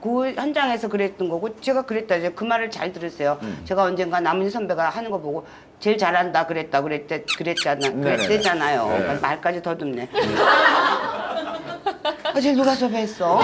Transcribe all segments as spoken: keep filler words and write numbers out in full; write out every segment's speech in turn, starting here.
그 현장에서 그랬던 거고 제가 그랬다. 이제 그 말을 잘 들으세요. 음. 제가 언젠가 남은희 선배가 하는 거 보고 제일 잘한다 그랬다 그랬대 그랬잖아 그랬대잖아요. 네. 그러니까 말까지 더듬네. 아, 쟤 누가 섭외했어?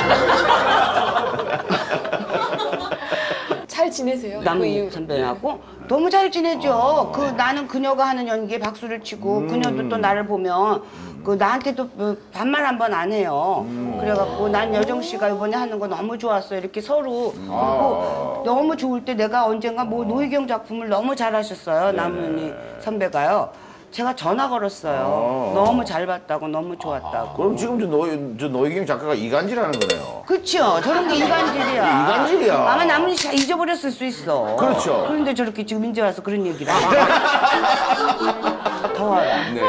잘 지내세요? 그 남은 이후. 선배하고 너무 잘 지내죠. 그 나는 그녀가 하는 연기에 박수를 치고 그녀도 또 나를 보면 그 나한테도 뭐 반말 한 번 안 해요. 그래갖고 난 여정 씨가 이번에 하는 거 너무 좋았어. 이렇게 서로 그리고 너무 좋을 때 내가 언젠가 뭐 노희경 작품을 너무 잘하셨어요. 남은이 선배가요. 제가 전화 걸었어요. 너무 잘 봤다고 너무 좋았다고. 그럼 지금 저, 노, 저 노희경 작가가 이간질하는 거네요. 그렇죠. 저런 게 이간질이야. 이간질이야. 아마 남은이 씨 잊어버렸을 수 있어. 그렇죠. 그런데 저렇게 지금 이제 와서 그런 얘기를 하고. 더워요. 네.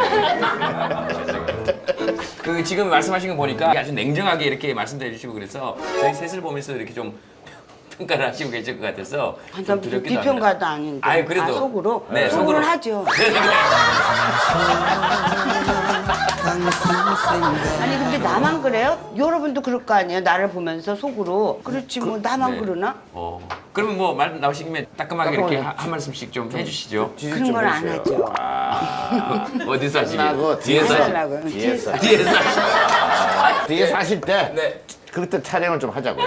그 지금 말씀하신 거 보니까 아주 냉정하게 이렇게 말씀해 주시고 그래서 저희 셋을 보면서 이렇게 좀 평가를 하시고 계실 것 같아서 좀 난 두렵기도 합니다. 비평가도 아닌데. 아유, 그래도. 아, 속으로? 네, 속으로는 속으로. 하죠. 아니 근데 나만 그래요? 여러분도 그럴 거 아니에요? 나를 보면서 속으로. 그렇지 뭐 나만 네. 그러나? 어. 그러면 뭐 말 나오신 김에 따끔하게 이렇게 하- 한 말씀씩 좀 해주시죠. 지지 그런 좀 걸 안 해주세요. 하죠. 어디서 끝나고 하시게요? 뒤에서 하시- 하려고요. 뒤에서. 뒤에서 하시. 뒤에서 하실 때 네. 그때 촬영을 좀 하자고요.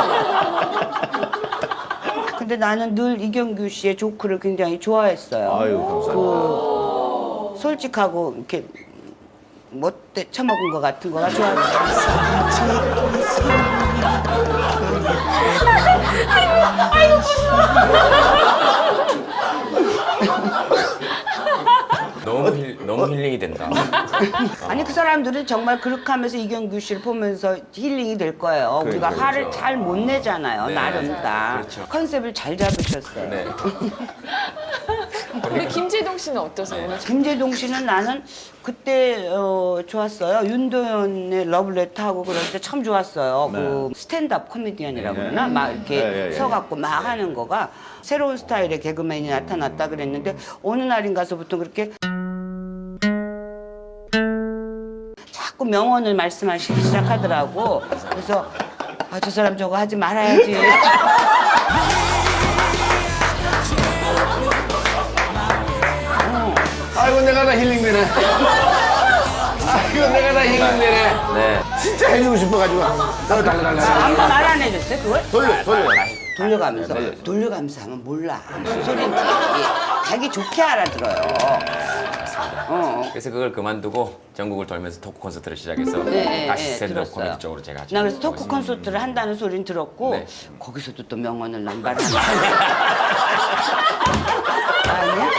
근데 나는 늘 이경규 씨의 조크를 굉장히 좋아했어요. 아유 감사합니다. 그 솔직하고 이렇게 못돼 처먹은 것 같은 거가 좋았어요. 너무 힐, 너무 힐링이 된다. 아니 그 사람들은 정말 그렇게 하면서 이경규 씨를 보면서 힐링이 될 거예요. 그래, 우리가 그렇죠. 화를 잘 못 내잖아요. 네. 나름 다. 그렇죠. 컨셉을 잘 잡으셨어요. 네. 우리 김재동 씨는 어떠세요? 오늘 김재동 씨는 나는 그때 어, 좋았어요. 윤도현의 러브레터 하고 그럴 때 참 좋았어요. 그 스탠드업 코미디언이라고 네. 그러나 막 이렇게 네, 네, 네. 서갖고 막 하는 거가 새로운 스타일의 개그맨이 나타났다 그랬는데 어느 날인가서부터 그렇게 자꾸 명언을 말씀하시기 시작하더라고. 그래서 아, 저 사람 저거 하지 말아야지. 아이고 내가 다 힐링되네. 아이고 내가 다 힐링되네. 네. 진짜 해주고 싶어가지고. 달라 달라 달라. 아무 말 안 해줬어요 그걸? 돌려 돌려. 돌려가면서 네, 네. 돌려가면서 하면 몰라 무슨 소리인지 자기 좋게 알아들어요. 어. 그래서 그걸 그만두고 전국을 돌면서 토크 콘서트를 시작해서 네, 네, 다시 네, 스탠드업 들었어요. 코미디 쪽으로 제가 나 그래서 하고 토크 있습니다. 콘서트를 한다는 소리는 들었고 네. 거기서도 또 명언을 남발하는 아니야?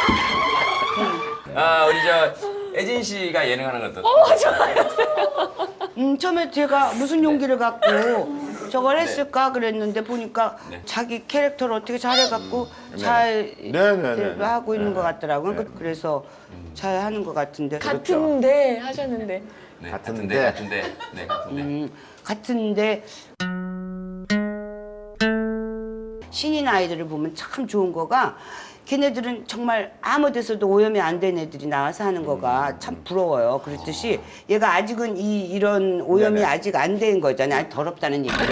아 우리 저 애진 씨가 예능하는 것도 어, 좋아요. 음, 처음에 제가 무슨 용기를 갖고 저걸 네. 했을까 그랬는데 보니까 네. 자기 캐릭터를 어떻게 잘해갖고 잘 네, 네, 네, 네. 하고 있는 것 같더라고요. 그- 그래서 잘 하는 것 같은데. 같은데 하셨는데. 네, 같은데. 같은데 같은데 네 같은데 음, 같은데 신인 아이들을 보면 참 좋은 거가 걔네들은 정말 아무 데서도 오염이 안 된 애들이 나와서 하는 거가 참 부러워요. 그렇듯이 얘가 아직은 이 이런 오염이 네네. 아직 안 된 거잖아요. 아니, 더럽다는 얘기를.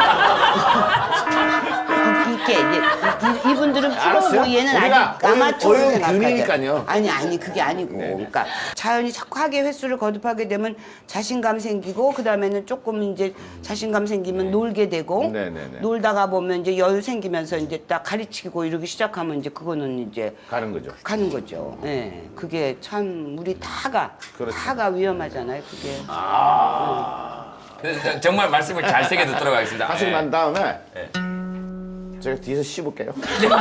이렇게 이제 이- 이분들은 알았어요. 프로고 얘는 우리가 아직 아마추어로 오염 생각하죠. 금이니까요. 아니 아니 그게 아니고 그러니까 자연히 자꾸 하게 횟수를 거듭하게 되면 자신감 생기고 그 다음에는 조금 이제 자신감 생기면 놀게 되고 네, 네, 네. 놀다가 보면 이제 여유 생기면서 이제 딱 가르치고 이러기 시작하면 이제 그거는 이제 가는 거죠. 가는 거죠. 예, 그게 참 우리 다가 그렇죠. 다가 위험하잖아요. 그게. 그래서 저- 정말 말씀을 잘 새겨 듣도록 하겠습니다. 하시고 예. 난 다음에 네. 제가 뒤에서 씹을게요.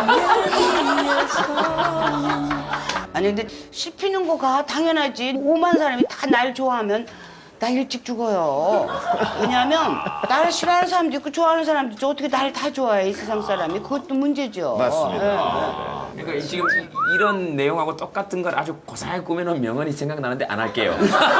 아니 근데 씹히는 거가 당연하지. 오만 사람이 다 날 좋아하면 나 일찍 죽어요. 왜냐하면 나를 싫어하는 사람도 있고 좋아하는 사람도 있고 어떻게 나를 다 좋아해 이 세상 사람이. 그것도 문제죠. 맞습니다. 그러니까 이- 지금 이- 이런 내용하고 똑같은 걸 아주 고상하게 꾸며놓은 명언이 생각나는데 안 할게요.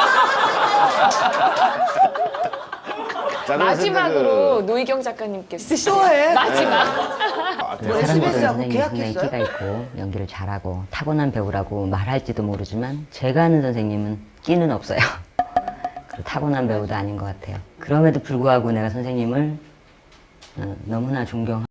자, 그래서 마지막으로 이제 노희경 작가님께 쓰신 또 해? 마지막. 뭐 사람들은 에스비에스하고 선생님이 계약했어요? 상당히 끼가 있고 연기를 잘하고 타고난 배우라고 말할지도 모르지만 제가 아는 선생님은 끼는 없어요. 그리고 타고난 배우도 아닌 것 같아요. 그럼에도 불구하고 내가 선생님을 어, 너무나 존경하고